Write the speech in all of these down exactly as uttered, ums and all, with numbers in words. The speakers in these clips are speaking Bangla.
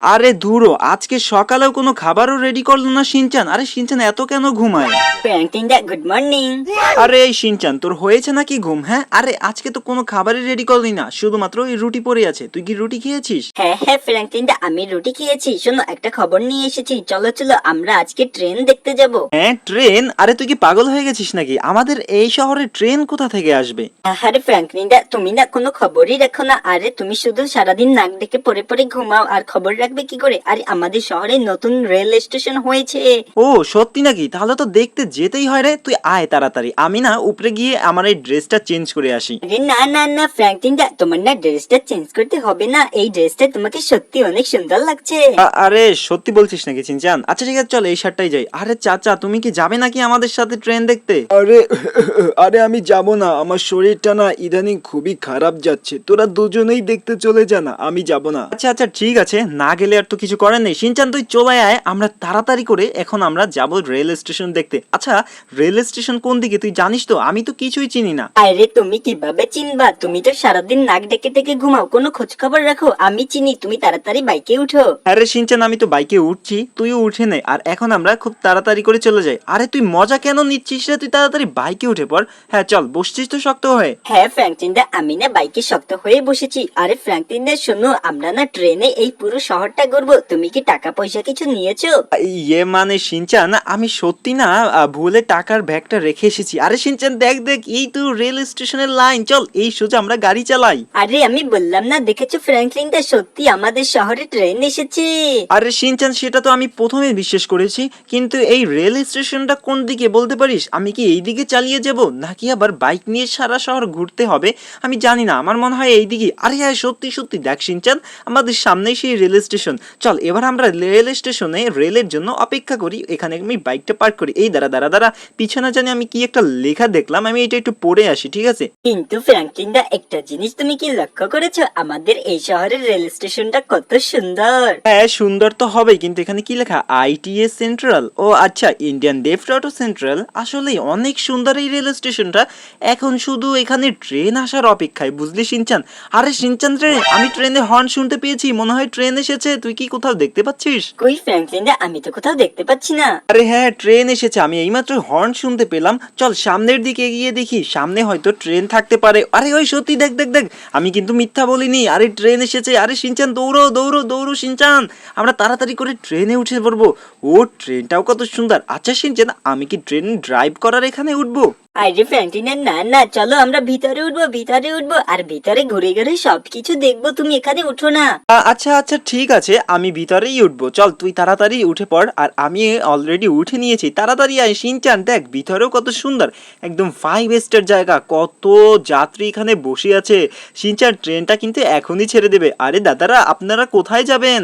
আরে ধুরো, আজকে সকালেও কোনো খাবারও রেডি করলো না শিনচান। আরে শিনচান এত কেন ঘুমায়? ফ্র্যাঙ্কলিনদা গুড মর্নিং। আরে এই শিনচান, তোর হয়েছে নাকি ঘুম? হ্যাঁ, আরে আজকে তো কোনো খাবারই রেডি করলি না, শুধুমাত্র ওই রুটি পড়ে আছে। তুই কি রুটি খেয়েছিস? হ্যাঁ হ্যাঁ ফ্র্যাঙ্কলিনদা, আমি রুটি খেয়েছি। শোনো, একটা খবর নিয়ে এসেছি, চলো চলো আমরা আজকে ট্রেন দেখতে যাব। হ্যাঁ ট্রেন? আরে তুই কি পাগল হয়ে গেছিস নাকি? আমাদের এই শহরে ট্রেন কোথা থেকে আসবে? আরে ফ্র্যাঙ্কলিনদা, তুমি না কোনো খবরই রাখো না। আরে তুমি শুধু সারাদিন নাক ডেকে পড়ে পড়ে ঘুমাও, আর খবর রাখবে কি করে? আরে আমাদের শহরে নতুন রেল স্টেশন হয়েছে। ও সত্যি নাকি? তাহলে তো দেখতে যেতেই হয় রে। তুই আয় তাড়াতাড়ি, আমি না উপরে গিয়ে আমার এই ড্রেসটা চেঞ্জ করে আসি। আরে না না না ফ্র্যাঙ্কলিনদা, তোমার না ড্রেসটা চেঞ্জ করতে হবে না। এই ড্রেসটা তোমাকে সত্যি অনেক সুন্দর লাগছে। আ- আরে সত্যি বলছিস নাকি চিনচান? আচ্ছা ঠিক আছে, চল এই শার্টটাই যাই। আরে চাচা, তুমি কি যাবে নাকি আমাদের সাথে ট্রেন দেখতে? আরে আরে আমি যাব না, আমার শরীরটা না ইদানিং খুবই খারাপ যাচ্ছে। তোরা দুজনেই দেখতে চলে যা না, আমি যাব না। আচ্ছা আচ্ছা ঠিক আছে, না গেলে আর তো কিছু করার নেই। শিনচান তুই চলে আয়, আমরা তাড়াতাড়ি করে এখন আমরা যাব রেল স্টেশন দেখতে। আচ্ছা রেল স্টেশন কোন দিকে তুই জানিস তো? আমি তো কিছুই চিনি না। আরে তুমি কিভাবে চিনবা? তুমি তো সারাদিন নাক ডেকে ডেকে ঘুমাও, কোনো খোঁজ খবর রাখো? আমি চিনি, তুমি তাড়াতাড়ি বাইকে উঠো। আরে শিনচান, আমি তো বাইকে উঠছি, তুইও উঠে নে, আর এখন আমরা খুব তাড়াতাড়ি করে চলে যাই। আরে তুই মজা কেন নিচ্ছিস রে? তুই তাড়াতাড়ি বাইকে উঠে পড়। হ্যাঁ চল, বসছিস তো শক্ত হয়ে। হ্যাঁ ফ্র্যাঙ্কলিনদা, আমি না বাইকে শক্ত হয়ে বসেছি। আরে ফ্র্যাঙ্কলিনদা শোনো, আমরা না ট্রেনে এই পুরো শহরটা ঘুরবো। তুমি কি টাকা পয়সা কিছু নিয়েছো? ইয়ে মানে শিনচান, আমি সত্যি না আহ, ভুলে টাকার ব্যাগটা রেখে এসেছি। আরে শিনচান দেখ দেখ, এই তো রেল স্টেশনের লাইন, চল এই সোজা আমরা গাড়ি চালাই। আরে আমি বললাম না, দেখেছো ফ্র্যাঙ্কলিনদা, সত্যি আমাদের শহরে ট্রেন এসেছে। আরে শিনচান, সেটা তো আমি প্রথমে বিশ্বাস করেছি, কিন্তু এই রেল স্টেশনটা কোন দিকে বলতে পারিস? আমি কি এই দিকে চালিয়ে যাব, নাকি আবার বাইক নিয়ে সারা শহর ঘুরতে হবে? আমি জানি না, আমার মনে হয় এই দিকে। আরে হ্যাঁ সত্যি সত্যি, দেখ শিনচান, আমাদের সামনেই সেই রেল স্টেশন। চল এবার আমরা রেল স্টেশনে রেলের জন্য অপেক্ষা করি। এখানে আমি বাইকটা পার্ক করি। এই দাঁড়া দাঁড়া দাঁড়া, পিছনে জানি আমি কি একটা লেখা দেখলাম, আমি এটা একটু পড়ে আসি, ঠিক আছে? কিন্তু ফ্র্যাঙ্কলিনদা, একটা জিনিস তুমি কি লক্ষ্য করেছো? আমাদের এই শহরের রেল স্টেশনটা কত সুন্দর। হ্যাঁ সুন্দর তো হবেই, কিন্তু এখানে কি লেখা? ITS central. ও আচ্ছা, ইন্ডিয়ান ডেফট অটো সেন্ট্রাল। আসলেই অনেক সুন্দর এই রেল স্টেশনটা। এখন শুধু এখানে ট্রেন আসার অপেক্ষায়, বুঝলি শিনচান? আরে শিনচান রে, আমি ট্রেনে হর্ন শুনতে পেয়েছি, মনে হয় ট্রেন এসেছে। তুই কি কোথাও দেখতে পাচ্ছিস? কই ফ্র্যাঙ্কলিনদা, আমি তো কোথাও দেখতে পাচ্ছি না। আরে হ্যাঁ ট্রেন এসেছে, আমি এইমাত্র হর্ন শুনতে পেলাম। চল সামনের দিকে এগিয়ে দেখি, সামনে হয়তো ট্রেন থাকতে পারে। আরে ওই সত্যি, দেখ দেখ দেখ, আমি কিন্তু মিথ্যা বলিনি। আরে ট্রেন এসেছে। আরে শিনচান দৌড়ো দৌড়ো দৌড়ো শিনচান, আমরা তাড়াতাড়ি করে ট্রেনে উঠে পড়বো। ও ট্রেনটাও কত সুন্দর। আচ্ছা শিনচান, আমি কি ট্রেন ড্রাইভ করার এখানে উঠবো? আরে ফ্র্যাঙ্কলিনা, না না, চলো আমরা ভিতরে উঠবো, ভিতরে উঠবো, আর ভিতরে ঘুরে ঘুরে সবকিছু দেখবো। তুমি এখানে উঠো না। আ- আচ্ছা আচ্ছা ঠিক আছে, আমি ভিতরেই উঠবো। চল তুই তাড়াতাড়ি উঠে পড়, আর আমি অলরেডি উঠে নিয়েছি। তাড়াতাড়ি আয় শিনচান, দেখ ভিতরেও কত সুন্দর, একদম ফাইভ স্টার জায়গা। কত যাত্রী এখানে বসে আছে। শিনচান ট্রেনটা কিন্তু এখনই ছেড়ে দেবে। আরে দাদারা, আপনারা কোথায় যাবেন?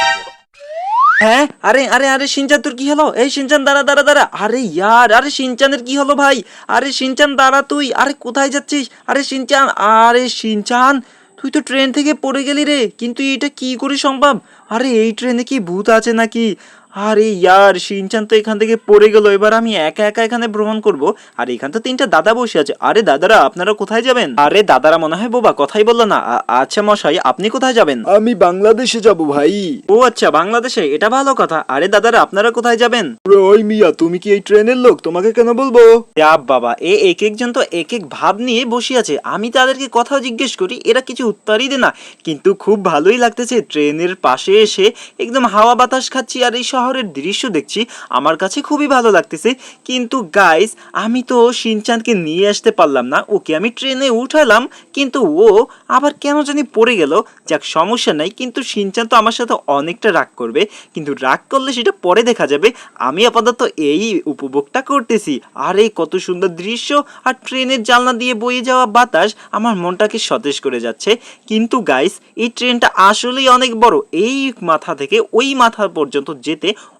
হ্যাঁ আরে আরে আরে শিনচান, তোর কি হলো? এই শিনচান দাঁড়া দাঁড়া দাঁড়া। আরে ইয়ার, আরে শিনচানের কি হলো ভাই? আরে শিনচান দাঁড়া তুই। আরে কোথায় যাচ্ছিস? আরে শিনচান, আরে শিনচান, তুই তো ট্রেন থেকে পড়ে গেলি রে। কিন্তু এটা কি করে সম্ভব? আরে এই ট্রেনে কি ভূত আছে নাকি? আরে ইয়ার, শিনচান তো এখান থেকে পড়ে গেল। এবার আমি একা একা এখানে ভ্রমণ করব। আর এখান তো তিনটা দাদা বসে আছে। আরে দাদারা, আপনারা কোথায় যাবেন? আরে দাদারা মনে হয় বোবা, কথাই বললো না। আ- আচ্ছা মশাই, আপনি কোথায় যাবেন? আমি বাংলাদেশে যাব ভাই। ও আচ্ছা, বাংলাদেশে, এটা ভালো কথা। আরে দাদারা, আপনারা কোথায় যাবেন? ওরে, ওই মিয়া, তুমি কি এই ট্রেনের লোক? তোমাকে কেন বলবো? যা বাবা, এ এক একজন তো এক এক ভাব নিয়ে বসে আছে। আমি তাদেরকে কথা জিজ্ঞেস করি, এরা কিছু উত্তরই দেয় না। কিন্তু খুব ভালোই লাগতেছে ট্রেনের পাশে এসে একদম হাওয়া বাতাস খাচ্ছি, আর এই শহরের দৃশ্য দেখছি। আমার কাছে খুবই ভালো লাগতেছে। কিন্তু গাইস, আমি তো শিনচানকে নিয়ে আসতে পারলাম না। ওকে আমি ট্রেনে উঠালাম, কিন্তু ও আবার কেন জানি পড়ে গেল। যাক, সমস্যা নাই। কিন্তু শিনচান তো আমার সাথে অনেকটা রাগ করবে, কিন্তু রাগ করলে সেটা পরে দেখা যাবে। আমি আপাতত এই উপভোগটা করতেছি। আর এই কত সুন্দর দৃশ্য, আর ট্রেনের জানলা দিয়ে বয়ে যাওয়া বাতাস আমার মনটাকে সতেজ করে যাচ্ছে। কিন্তু গাইস, এই ট্রেনটা আসলেই অনেক বড়। এই মাথা থেকে ওই মাথা পর্যন্ত যেতে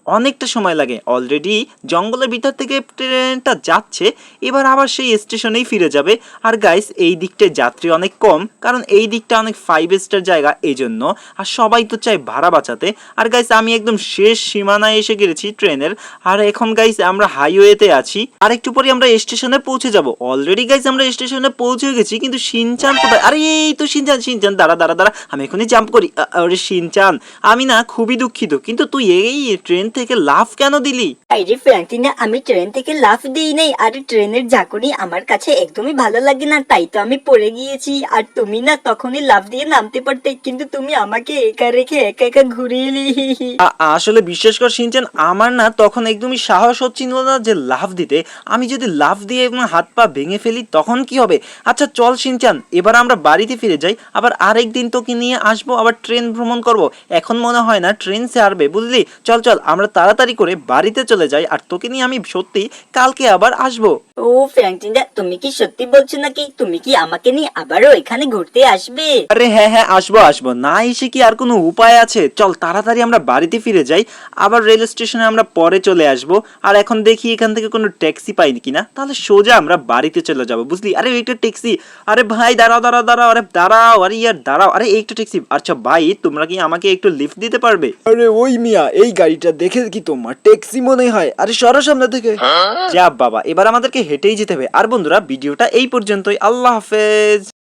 অনেকটা সময় লাগে। অলরেডি জঙ্গলের ভিতর থেকে ট্রেনটা যাচ্ছে, এবার আবার সেই স্টেশনেই ফিরে যাবে। আর গাইস এই দিকটায় যাত্রী অনেক কম, কারণ এই দিকটা অনেক ফাইভ স্টার জায়গা এই জন্য। আর সবাই তো চায় ভাড়া বাঁচাতে। আর গাইস আমি একদম শেষ সীমানায় এসে গেছি ট্রেনের। আর এখন গাইস আমরা হাইওয়েতে আছি, আর একটু পরে আমরা স্টেশনে পৌঁছে যাব। অলরেডি গাইস আমরা স্টেশনে পৌঁছে গেছি, কিন্তু শিনচান কোথায়? আরে এই তো শিনচান, শিনচান দাঁড়া দাঁড়া দাঁড়া, আমি এখনই জাম্প করি। আ, আরে শিনচান, আমি না খুবই দুঃখিত, কিন্তু তুই এই ট্রেন থেকে লাফ কেন দিলি? আরে ফ্র্যাঙ্কলিন, আমি ট্রেন থেকে লাফ দিই নাই। আর ট্রেনের ঝাঁকুনি আমার কাছে একদমই ভালো লাগে না, তাই তো আমি পড়ে গিয়েছি। আর তুমি না তখনই লাফ দিয়ে নামতে পারতে, কিন্তু তুমি আমাকে একা রেখে একা একা ঘুরিয়ে এলি। আ- আসলে বিশ্বাস কর শিনচান, আমার না তখন একদমই সাহস হচ্ছিল না যে লাফ দিতে। আমি যদি লাফ দিয়ে এবং হাত পা ভেঙে ফেলি তখন কি হবে? আচ্ছা চল শিনচান, এবার আমরা বাড়িতে ফিরে যাই। আবার আরেকদিন তোকে নিয়ে আসবো, আবার ট্রেন ভ্রমণ করব। এখন মনে হয় না ট্রেন ছাড়বে, বুঝলি? চল চল আমরা তাড়াতাড়ি করে বাড়িতে চলে যাই, আর তোকে নিয়ে আমি সত্যি কালকে আবার আসবো। ও ফ্র্যাঙ্কলিন, তুমি কি সত্যি বলছো নাকি? তুমি কি আমাকে নিয়ে আবারও এখানে ঘুরতে আসবে? আরে হ্যাঁ হ্যাঁ, আসবো আসবো, না এসে কি আর কোনো উপায় আছে? চল তাড়াতাড়ি আমরা বাড়িতে ফিরে যাই, আবার রেল স্টেশনে আমরা পরে চলে আসবো। আর এখন দেখি এখান থেকে কোনো ট্যাক্সি পাই কিনা, তাহলে সোজা আমরা বাড়িতে চলে যাবো, বুঝলি? আরে একটা ট্যাক্সি, আরে ভাই দাঁড়াও দাঁড়াও দাঁড়াও, আরে দাঁড়াও, আরে ইয়ার দাঁড়াও, আরে একটা ট্যাক্সি। আচ্ছা ভাই, তোমরা কি আমাকে একটু লিফট দিতে পারবে? আরে ওই মিয়া, এই গাড়িটা দেখে কি তোমার ট্যাক্সি মনে হয়? আরে সরো সামনে থেকে। যা বাবা, এবার আমাদেরকে হেঁটেই যেতে হবে। আর বন্ধুরা, ভিডিওটা এই পর্যন্তই। আল্লাহ হাফেজ।